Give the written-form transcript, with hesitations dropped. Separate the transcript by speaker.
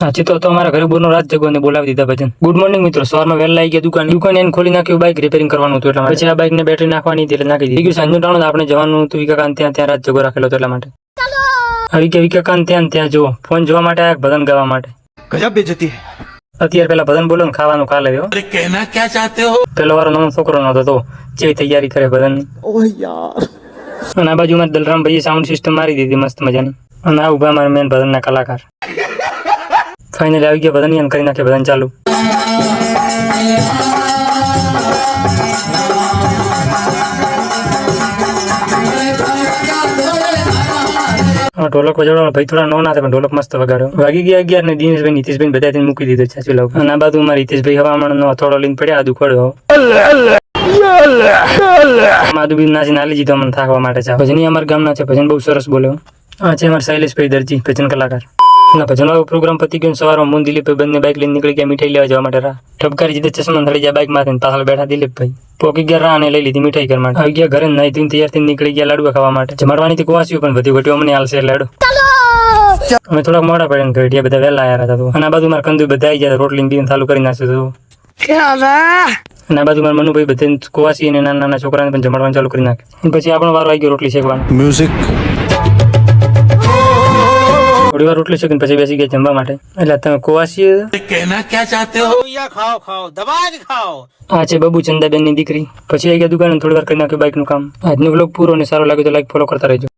Speaker 1: સાચી તો અમારા ઘરે બોરનો રાત જગો ને બોલાવી દીધા ભજન. ગુડ મોર્નિંગ મિત્રો. સવારમાં વહેલા આવી ગયા દુકાન એને ખોલી નાખ્યું, બાઇક રિપેરિંગ કરવાનું હતું એટલા માટે. પછી આ બાઇક ને બેટરી નાખવાની હતી એટલે નાખી દીધી. સાંજનું ટાણું આપણે જવાનું હતું વિકાકાન ત્યાં રાત જગો રાખેલો હતો એટલા માટે. આવી ગયા વિકાકાન ત્યાં જો ફોન જોવા માટે આયા, ભજન ગાવા માટે.
Speaker 2: ગજબ બેઇज्जती
Speaker 1: અત્યારે પેલા ભજન બોલો ને ખાવાનું ખા લેવો.
Speaker 2: અરે કહેના ક્યાં ચાહતે હો.
Speaker 1: પેલો વારો નવો છોકરો નતો તો જેવી તૈયારી કરે ભજન ની.
Speaker 2: ઓહ યાર.
Speaker 1: અને આ બાજુમાં દલરામ ભાઈએ સાઉન્ડ સિસ્ટમ મારી દીધી મસ્ત મજાની. અને આ ઉભા મારા મેન ભજનના કલાકાર. ફાઇનલી આવી ગયા ભજન કરી નાખે ભજન ચાલુ. ઢોલક વજાડવા ભાઈ થોડા નો ના થાય પણ ઢોલક મસ્ત વગાડ્યો. વાગી ગયા 11 ને દિનેશભાઈ નીતિશભાઈ બધા મૂકી દીધો ચાચુ લાવ. અને આ બાજુ મારા હિતેશભાઈ હવામાન નો થોડો લઈને પડ્યા આદુ ખોડ્યો. માધુ બી નાચી નાલી જીધો મને થાકવા માટે છે. ભજન અમારા ગામના છે, ભજન બહુ સરસ બોલ્યો. આ છે અમારા શૈલેષભાઈ દરજી, ભજન કલાકાર. ભજન વાળો પ્રોગ્રામ પતી ગયો. સવારમાં મુન દિલીપભાઈ બંને બાઇક લઈને નીકળી ગયા મીઠાઈ લેવા જવા માટે. ઠપકારી જીતે ચશ્મા થડી જાય બાઇક માંથી પાછળ બેઠા દિલીપભાઈ. પોકી ગયા રા અને લઈ લીધી મીઠાઈ ઘર માટે. આવી ગયા ઘરે નહીં ધોઈને તૈયાર થઈને નીકળી ગયા લાડવા ખાવા માટે. જમાડવાની થી કુવાસ્યું પણ બધી ઘટ્યું અમને હાલશે લાડુ. અમે થોડાક મોડા પડ્યા ઘડિયા બધા વહેલા આવ્યા હતા. અને આ બાજુ મારા કંદુ બધા આવી ગયા રોટલી બીન ચાલુ કરી નાખ્યું હતું. અને આ બાજુ મારા મનુભાઈ બધે કુવાસી અને નાના નાના છોકરાને પણ જમાડવાનું ચાલુ કરી નાખે. પછી આપણો વારો આવી ગયો રોટલી શેકવાનો.
Speaker 2: મ્યુઝિક
Speaker 1: થોડી વાર રોટલી શેકીને પછી બેસી ગયા જમવા માટે. એટલે તમે કુવાસી
Speaker 2: કહેના ક્યાં ચાહતે હો. ખાઓ દબા કે ખાઓ.
Speaker 1: આ છે બબુ ચંદાબેન ની દીકરી. પછી આવી ગયા દુકાન થોડી વાર કરી નાખ્યું બાઇક નું કામ. આજનો વ્લોગ પૂરો અને સારો લાગ્યો તો લાઈક ફોલો કરતા રહેજો.